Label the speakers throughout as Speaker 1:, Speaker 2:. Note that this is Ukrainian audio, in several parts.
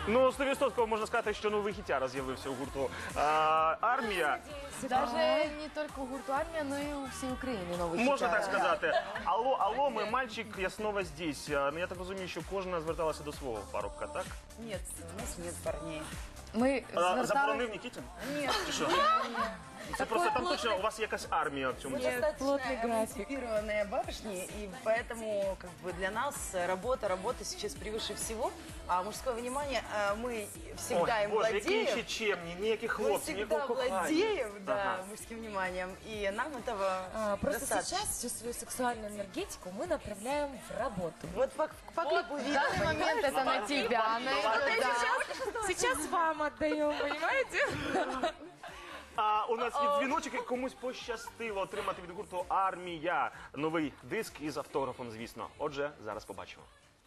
Speaker 1: Ну, 100% можна сказати, що новий хітяра з'явився у гурту «Армія».
Speaker 2: Даже не только у гурту «Армия», но и у всей Украины новый
Speaker 1: Можна
Speaker 2: хит.
Speaker 1: так сказати. Алло, алло, ми мальчик, я снова здесь. Я так розумію, що кожна зверталася до свого парубка, так?
Speaker 3: Нет, у нас нет парней.
Speaker 2: Ми
Speaker 1: Заборонив Нікітін?
Speaker 3: Нет.
Speaker 1: Чи що? Це просто там точно у вас якась армія в цьому.
Speaker 2: плотный график.
Speaker 3: Эмансипированные барышни, и поэтому как бы для нас работа сейчас превыше всего, а мужское внимание мы всегда им
Speaker 1: Боже, які ще
Speaker 3: владеем.
Speaker 1: чемні, ніяких
Speaker 3: Мы
Speaker 1: хлопців,
Speaker 3: всегда
Speaker 1: ніякого кохання.
Speaker 3: владеем, да,
Speaker 1: Ага.
Speaker 3: мужским вниманием, и нам этого
Speaker 4: Просто
Speaker 3: достаточно.
Speaker 4: сейчас всю свою сексуальную энергетику мы направляем в работу.
Speaker 3: Вот по клипу
Speaker 2: В
Speaker 3: видно,
Speaker 2: данный момент это на тебя, она идет, да.
Speaker 4: Сейчас вам отдаем, понимаете?
Speaker 1: А у нас є дзвіночок, і комусь пощастило отримати від гурту «Армія» новий диск із автографом, звісно. Отже, зараз побачимо.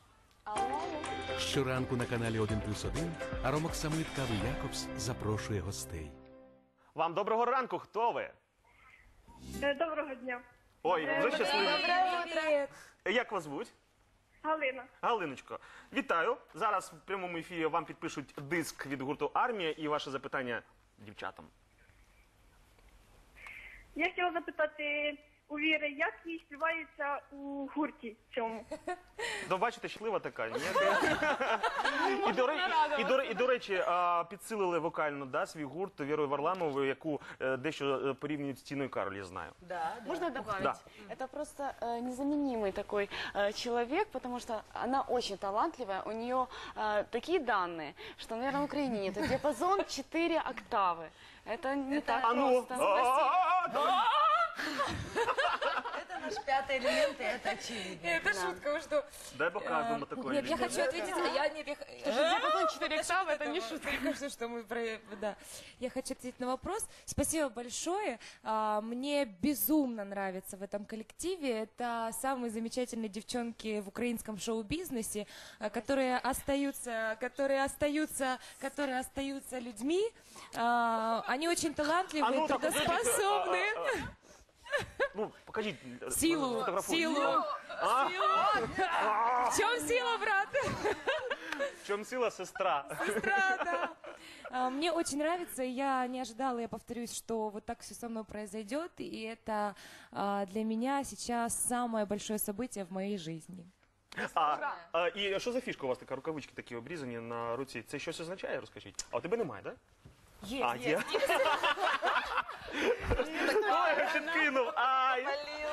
Speaker 5: Щоранку на каналі 1+1 Аромок Самит Кави Якобс запрошує гостей.
Speaker 1: Вам доброго ранку, хто ви?
Speaker 6: Доброго дня.
Speaker 1: Ой, вже щасливі.
Speaker 4: Привет.
Speaker 1: Як вас звуть?
Speaker 6: Галина.
Speaker 1: Галиночко, вітаю. Зараз в прямому ефірі вам підпишуть диск від гурту «Армія» і ваше запитання дівчатам.
Speaker 6: Я хотіла запитати у Віри, як їй співається у гурті цьому?
Speaker 1: Ну, бачите, щаслива така, ні? І, до речі, підсилили вокально, да, свій гурт Вірою Варламовою, яку дещо порівнюють з Тіною Кароль, я знаю.
Speaker 3: Да, да.
Speaker 7: Можно добавить?
Speaker 1: Да.
Speaker 7: Это просто незаменимый такой человек, потому что она очень талантливая, у нее такие данные, что, наверное, в Украине нет. Диапазон 4 октавы. Это не так
Speaker 1: А ну!
Speaker 7: просто.
Speaker 3: Это наш пятый элемент, и это очевидно.
Speaker 4: Это шутка, вы что?
Speaker 1: Дай покажемо такої.
Speaker 4: Нет, я хочу ответить,
Speaker 7: Диапазон 4 октавы, это не шутка.
Speaker 4: Мне кажется, что мы да. Я хочу ответить на вопрос. Спасибо большое. Мне безумно нравится в этом коллективе. Это самые замечательные девчонки в украинском шоу-бизнесе, которые остаются людьми. Они очень талантливые,
Speaker 1: так,
Speaker 4: трудоспособные.
Speaker 1: Ну, покажіть.
Speaker 4: Силу.
Speaker 1: Фотографуйте.
Speaker 4: В чем сила, брат?
Speaker 1: В чому сила, сестра?
Speaker 4: Да. Мне очень нравится, и я не ожидала, я повторюсь, что вот так все со мной произойдет, и это для меня сейчас самое большое событие в моей жизни.
Speaker 1: І що за фішка у вас така, рукавички такі обрізані на руці? Це щось означає, розкажіть? А у тебе немає, так? Є. Ой, я підкинув. Ай.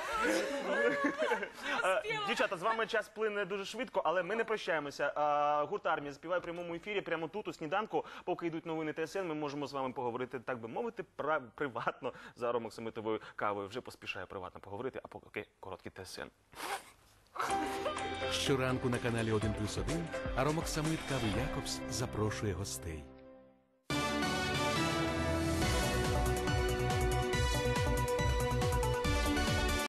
Speaker 1: Дівчата, з вами час плине дуже швидко, але ми не прощаємося. Гурт «Армія» співає в прямому ефірі прямо тут, у сніданку. Поки йдуть новини ТСН, ми можемо з вами поговорити, так би мовити, приватно за Аромок Самитовою кавою. Вже поспішаю приватно поговорити, а поки короткі ТСН.
Speaker 5: Щоранку на каналі 1+1 Аромок Самит Кави Якобс запрошує гостей.